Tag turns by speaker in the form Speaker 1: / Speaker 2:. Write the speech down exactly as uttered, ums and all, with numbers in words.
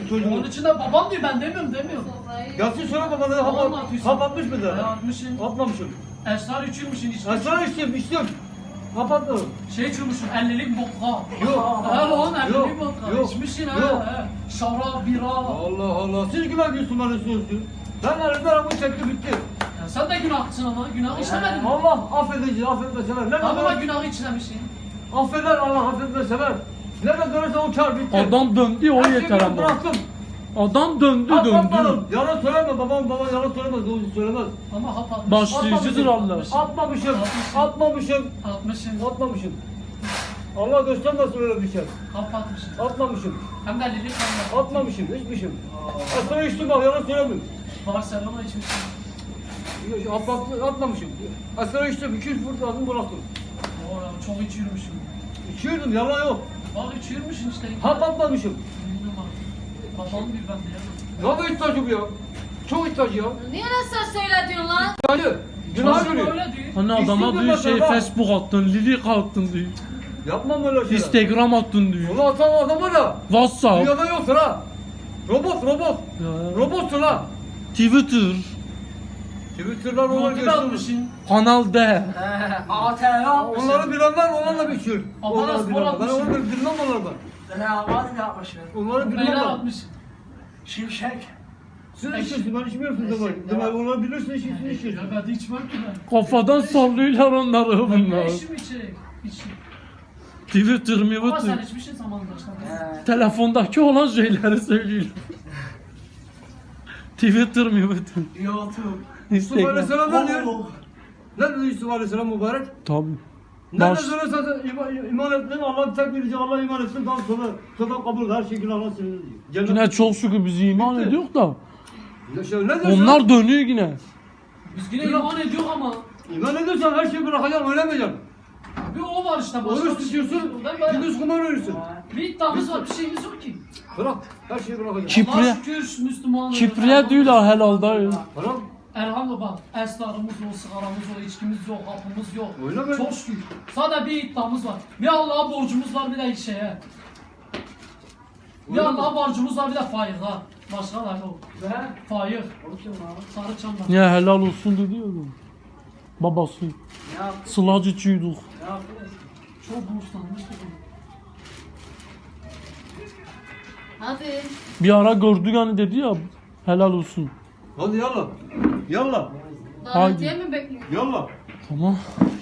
Speaker 1: çocuğu.
Speaker 2: Onun için de babam diyor, ben demiyorum demiyorum.
Speaker 1: Gelsin söyle babana hap, hap atmış mıdır?
Speaker 2: Atmışsın.
Speaker 1: Atmamışım.
Speaker 2: Esrar içiyormuşsun işte.
Speaker 1: Ben sana içtim içtim. Hap atmadım.
Speaker 2: Şey içiyormuşsun, ellilik vodka.
Speaker 1: Yok.
Speaker 2: Ha lan ellilik
Speaker 1: Yok,
Speaker 2: vodka.
Speaker 1: yok,
Speaker 2: İçmişsin
Speaker 1: yok.
Speaker 2: ha. he. Şarap, bira.
Speaker 1: Allah Allah. Siz günah diyorsun bana söylüyorsun. Ben elimden aramı çekti bitti.
Speaker 2: Ya sen de günahçısın ama. Günah işlemedin mi?
Speaker 1: Allah affedici, affetme sever. Nerede
Speaker 2: Ama
Speaker 1: dönersen
Speaker 2: günahı işlemişsin.
Speaker 1: affeder Allah affetme sever. Nerede dönersen o kar bitti.
Speaker 3: Adam döndü o
Speaker 1: Her şeyi
Speaker 3: yeter ama.
Speaker 1: bıraktım.
Speaker 3: Adam döndü
Speaker 1: Atmadım.
Speaker 3: döndü.
Speaker 1: Yalan söyleme babam babam yalan söylemez. Doğru söylemez.
Speaker 2: Ama hap atmışsın.
Speaker 3: Başlayıcıdır Allah.
Speaker 1: Atmamışım. Atmamışım.
Speaker 2: Atmışsın.
Speaker 1: Atmamışım. Allah göstermesin öyle bir şey.
Speaker 2: Hap atmışsın.
Speaker 1: Atmamışım.
Speaker 2: Hem de ellilik hem de.
Speaker 1: Atmamışım. Hiçmişim. Asla içtim bak yalan söylemiyorum.
Speaker 2: Barcelona içmişsin.
Speaker 1: At, at, atmamışım. Asla içtim. iki üç fırt aldım bıraktım.
Speaker 2: Oğlum çok içiyormuşsun.
Speaker 1: İçiyordum yalan yok.
Speaker 2: Bak içiyormuşsun işte.
Speaker 1: Hap atmamışım.
Speaker 2: Bilmiyorum abi. Babam bir ben diyemem.
Speaker 1: Ne kadar ihtiyacı bu ya? Çok ihtiyacı ya.
Speaker 4: Niye nasıl söyle diyorsun lan?
Speaker 1: İhtiyacı. Günah
Speaker 2: Çocuk
Speaker 1: görüyor.
Speaker 2: öyle diyor.
Speaker 3: Hani adama
Speaker 1: İstedim
Speaker 3: diyor
Speaker 1: ben
Speaker 3: şey
Speaker 1: sana.
Speaker 3: Facebook attın, Lilik attın diyor.
Speaker 1: Yapmam öyle şeyler.
Speaker 3: Instagram attın diyor.
Speaker 1: Onu atan adamı da
Speaker 3: WhatsApp.
Speaker 1: dünyada yoktur ha. Robot robot.
Speaker 3: Ya.
Speaker 1: Robotsun ha.
Speaker 3: Twitter.
Speaker 1: Twitter'dan onlar
Speaker 2: Motive
Speaker 1: geçiyor.
Speaker 2: atmışsın.
Speaker 3: Kanal D.
Speaker 2: A T R atmışsın.
Speaker 1: Onları bilenler onlarla biçiyor.
Speaker 2: Ama
Speaker 1: Onları
Speaker 2: nasıl
Speaker 1: bilenler. Ben
Speaker 2: atmışsın?
Speaker 1: onları bilmem onlardan.
Speaker 5: Rehavat yapmışım.
Speaker 1: Onları bilmem
Speaker 2: Beyler
Speaker 1: ben.
Speaker 2: atmışsın.
Speaker 5: Şimşek.
Speaker 1: Siz içiyorsun ben içmiyorsun demek. Demek onları bilirsin içiyorsun
Speaker 2: Ya
Speaker 1: içiyorsun.
Speaker 2: ben de içmem ki ben.
Speaker 3: Kafadan sallıyorlar onları
Speaker 2: Ben
Speaker 3: bunlar.
Speaker 2: ne işim içecek? İçim.
Speaker 3: Twitter,
Speaker 2: Ama sen
Speaker 3: Twitter.
Speaker 2: içmişsin zamanında işte.
Speaker 3: Telefondaki olan şeyleri söylüyorum. Twitter, Twitter.
Speaker 5: YouTube.
Speaker 1: Yusuf
Speaker 3: Instagram.
Speaker 1: Aleyhisselam ne diyor?
Speaker 5: Oh.
Speaker 1: Ne dedi Yusuf Aleyhisselam mübarek?
Speaker 3: Tabii.
Speaker 1: Ne
Speaker 3: Baş-
Speaker 1: de söylesen iman, iman ettin, Allah tek birinci Allah iman etsin, daha sonra sonra kabul her şekilde Allah seni diyor. Cennet-
Speaker 3: Yine çok şükür biz iman
Speaker 1: Bitti.
Speaker 3: ediyoruz da.
Speaker 1: Ya şey, ne diyorsun?
Speaker 3: Onlar dönüyor yine.
Speaker 2: Biz yine iman ediyor ama
Speaker 1: İman ediyorsan her şeyi bırakacaksın, ölemeyeceksin.
Speaker 2: bir o var işte. Başka
Speaker 1: Oruç
Speaker 2: bir şey
Speaker 1: tutuyorsun,
Speaker 2: yok. Ben böyle-
Speaker 1: gündüz kumar oynuyorsun.
Speaker 2: Bir iddiamız var, bir şeyimiz yok ki.
Speaker 1: Bırak, her şeyi bırakacaksın.
Speaker 3: Kipriye-
Speaker 2: Allah'a şükür Müslümanız.
Speaker 3: Kipriye diyorlar helalda.
Speaker 1: Bırak.
Speaker 2: Elhamdülillah bak, esrarımız yok, sigaramız yok, içkimiz yok, hapımız yok.
Speaker 1: Öyle mi?
Speaker 2: Çok şükür. Sadece bir iddiamız var. Bir Allah'a borcumuz var, bir de şeye. Bir
Speaker 1: Öyle mi?
Speaker 2: Allah'a borcumuz var, bir de faiza. Başka da yok.
Speaker 5: Ve
Speaker 2: Faiz.
Speaker 5: o kim lan?
Speaker 2: Sarı çamlar.
Speaker 3: Niye helal olsun dedi ya adam. Babası.
Speaker 5: Ne yap?
Speaker 3: Sılacıçıyduk.
Speaker 5: Ne yapıyorsun?
Speaker 2: Çok borçlanmıştık.
Speaker 4: Hadi.
Speaker 3: Bir ara gördük hani dedi ya helal olsun.
Speaker 1: Hadi yallah. Yallah.
Speaker 4: Davetiye mi bekliyorsun?
Speaker 1: Yallah.
Speaker 3: Tamam.